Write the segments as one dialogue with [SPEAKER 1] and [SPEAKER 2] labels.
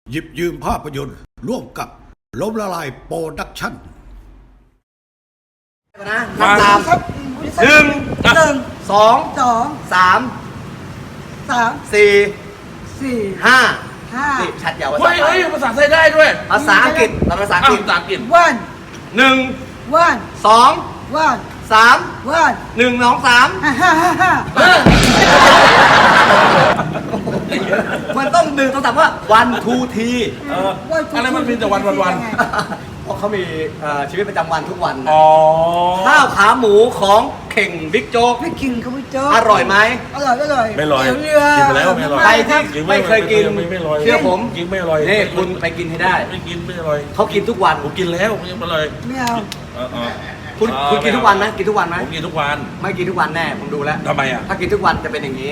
[SPEAKER 1] หยิบยืมภาพยนตร์ร่วมกับล้มละลายโปรดักชั่น
[SPEAKER 2] นะนับตามหนึ่งสองสามสี่ห้านี่ชัดยาวภาษาไทย
[SPEAKER 3] ภาษาไทยได้ด้วย
[SPEAKER 2] ภาษาอังกฤษภาษาอังกฤษ
[SPEAKER 4] one
[SPEAKER 2] หนึ่ง
[SPEAKER 4] one
[SPEAKER 2] สอง
[SPEAKER 4] one
[SPEAKER 2] สาม
[SPEAKER 4] one
[SPEAKER 2] หนึ่งสองสามมันต้องหนึ่งต้องถามว่า one two three
[SPEAKER 3] อะไรมันมีแต่วัน
[SPEAKER 2] เพราะเขามีชีวิตประจำวันทุกวัน
[SPEAKER 3] อ๋อ
[SPEAKER 2] ข้าวขาหมูของเข่งบิ๊กโจ๊ก
[SPEAKER 4] ไม่กินเขาไม่เจอ
[SPEAKER 2] อร่อยไหม
[SPEAKER 4] อร่อย
[SPEAKER 3] ไม่ลอย
[SPEAKER 4] เรือ
[SPEAKER 3] กินไปแล้วไม่ลอย
[SPEAKER 2] ใครที่ไม่เคยกิน
[SPEAKER 3] ไม่ลอย
[SPEAKER 2] เชื่อผม
[SPEAKER 3] กินไม่ลอย
[SPEAKER 2] นี่คุณไปกินให้ได้
[SPEAKER 3] ไม่กินไม่ลอย
[SPEAKER 2] เขากินทุกวัน
[SPEAKER 3] ผมกินแล้วไม่ลอย
[SPEAKER 4] ไม่เอา
[SPEAKER 2] คุณกินทุกวันไหมกินทุกวันไหม
[SPEAKER 3] ผมกินทุกวัน
[SPEAKER 2] ไม่กินทุกวันแน่ผมดูแล้ว
[SPEAKER 3] ทำไมอ่ะ
[SPEAKER 2] ถ้ากินทุกวันจะเป็นอย่างนี้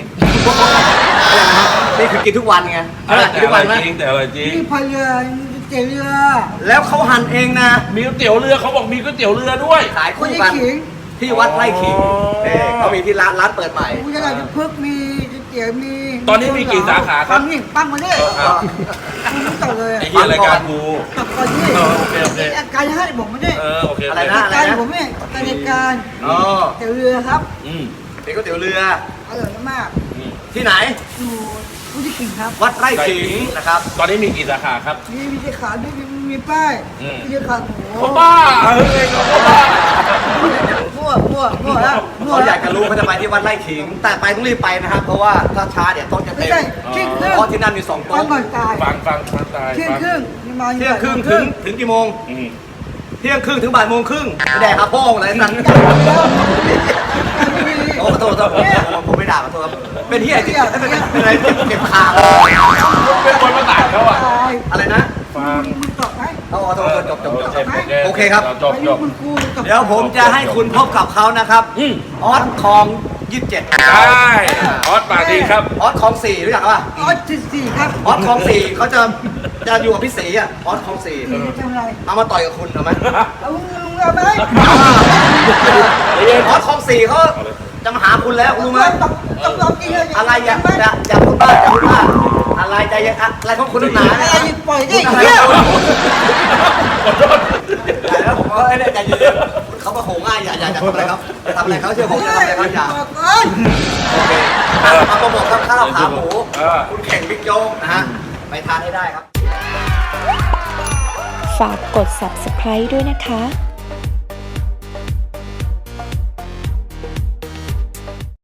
[SPEAKER 2] นี่คือกินทุกวันไงกินทุกวันไหม
[SPEAKER 3] จริงแต่อร่อยจริง
[SPEAKER 4] นี่พายเรือเจ๋อเรือ
[SPEAKER 2] แล้วเขาหั่นเองนะ
[SPEAKER 3] มีก๋วยเตี๋ยวเรือเขาบอกมีก๋วยเตี๋ยวเรือด้วย
[SPEAKER 2] ขาย
[SPEAKER 4] คน
[SPEAKER 2] คู่
[SPEAKER 4] ที่
[SPEAKER 2] กัน
[SPEAKER 4] ขิง
[SPEAKER 2] ที่วัดไร่ขิง
[SPEAKER 3] อ๋อ
[SPEAKER 2] นี่เขามีที่ร้านเปิดใหม่
[SPEAKER 4] กูจะอะไรจะพึกมีเจ๋อมี
[SPEAKER 3] ตอนนี้มีกี่สาขาครับ
[SPEAKER 4] ปังนี่ปังมาเนี่ยคุณไม่ต่อเลย
[SPEAKER 3] ไอ้เหี้ยรายการกู
[SPEAKER 4] ตับก่อนนี่
[SPEAKER 3] โอเค
[SPEAKER 4] อาการให้บอกไม่ได้
[SPEAKER 3] โอเค
[SPEAKER 2] อะไรนะ
[SPEAKER 4] การผมเนี่ยการการ
[SPEAKER 2] อ๋อ
[SPEAKER 4] เจ๋อเรือครับ
[SPEAKER 2] นี่ก๋วยเตี๋ยวเรือ
[SPEAKER 4] อร่อยมาก
[SPEAKER 2] ที่ไหน
[SPEAKER 4] อยู่ผู้ที่ขิงครับ
[SPEAKER 2] วัดไร่ขิงนะครับ
[SPEAKER 3] ตอนนี้มีกี่สาขาครับ
[SPEAKER 4] มีเจ้าขาด้วยมีป้ายมีเจ้าขาโอ้
[SPEAKER 3] เขาบ้าเฮ้ยเขาบ้า
[SPEAKER 4] มั่วแล้วมั่ว
[SPEAKER 2] เขาอ
[SPEAKER 4] แล้
[SPEAKER 2] ยากจะรู้เขาจะไปที่วัดไร่ขิง แต่ไปต้องรีบไปนะครับ เพราะว่าถ้าช้าเดี๋ยวโต๊ะจะ
[SPEAKER 4] ไม่
[SPEAKER 2] เต็ม
[SPEAKER 4] ใช่เที่ยงครึ่ง
[SPEAKER 2] เพราะที่นั่นมี2
[SPEAKER 4] ฟั
[SPEAKER 2] โต๊ะ
[SPEAKER 4] งก่อนตาย
[SPEAKER 3] ฟังตาย
[SPEAKER 4] เที่ยงครึ่งมา
[SPEAKER 2] เที่ยงครึ่งถึงกี่โมง
[SPEAKER 3] อืม
[SPEAKER 2] เที่ยงครึ่งถึงบ่ายโมงครึ่งไม่แดกอาโป้งอะไรนั่นโอ้ขอโทษผมไม่ด่าขอโทษครับเป็นที่อะไรเป็นอะไรเก็บขา
[SPEAKER 3] เป็นคนมาตายเขาอ่ะ
[SPEAKER 4] ตาย
[SPEAKER 2] อะไรนะ
[SPEAKER 3] ฟัง
[SPEAKER 4] มึงตอบไหม
[SPEAKER 2] เอาขอโทษจบ
[SPEAKER 3] โอเคครับจบ
[SPEAKER 4] ไปดูคุณครูตอบ
[SPEAKER 2] เดี๋ยวผมจะให้คุณพบกับเขานะครับออสคอง27
[SPEAKER 3] ได้ออสปาดีครับ
[SPEAKER 2] ออสคอง4รู้จักป่ะ
[SPEAKER 4] อ๋อสี่ครับ
[SPEAKER 2] ออสคอง4เขาจะอยู่กับพี่ศรีอ่ะออสคอง4
[SPEAKER 4] สี่ทำอะไร
[SPEAKER 2] เอามาต่อยกับคุณเอาไหม
[SPEAKER 4] เอามึงเอาไหม
[SPEAKER 2] ออสคอง4เขาจะมาหาคุณแล้วรู้ไหม
[SPEAKER 4] ต้องกินเลย
[SPEAKER 2] อะไรอย่าพูดบ้าอะไรใจเย็นอะไรของคุณหนา
[SPEAKER 4] อะไรปล่อยได้
[SPEAKER 2] อะไร
[SPEAKER 4] เหี้ย
[SPEAKER 2] แล้วผมก็เนี่ยใจเย็นเขาก็โหง่ายอย่าทำอะไรเขาอย่าทำอะไรเขาเชื่อผมอย่าทำอะไรเขาอย่าโอเคมาโปรโมทข้าวขาหมูคุณแข่งบิ๊กโจ๊กนะฮะไปทานให้ได้ครับ
[SPEAKER 5] ฝากกด subscribe ด้วยนะคะ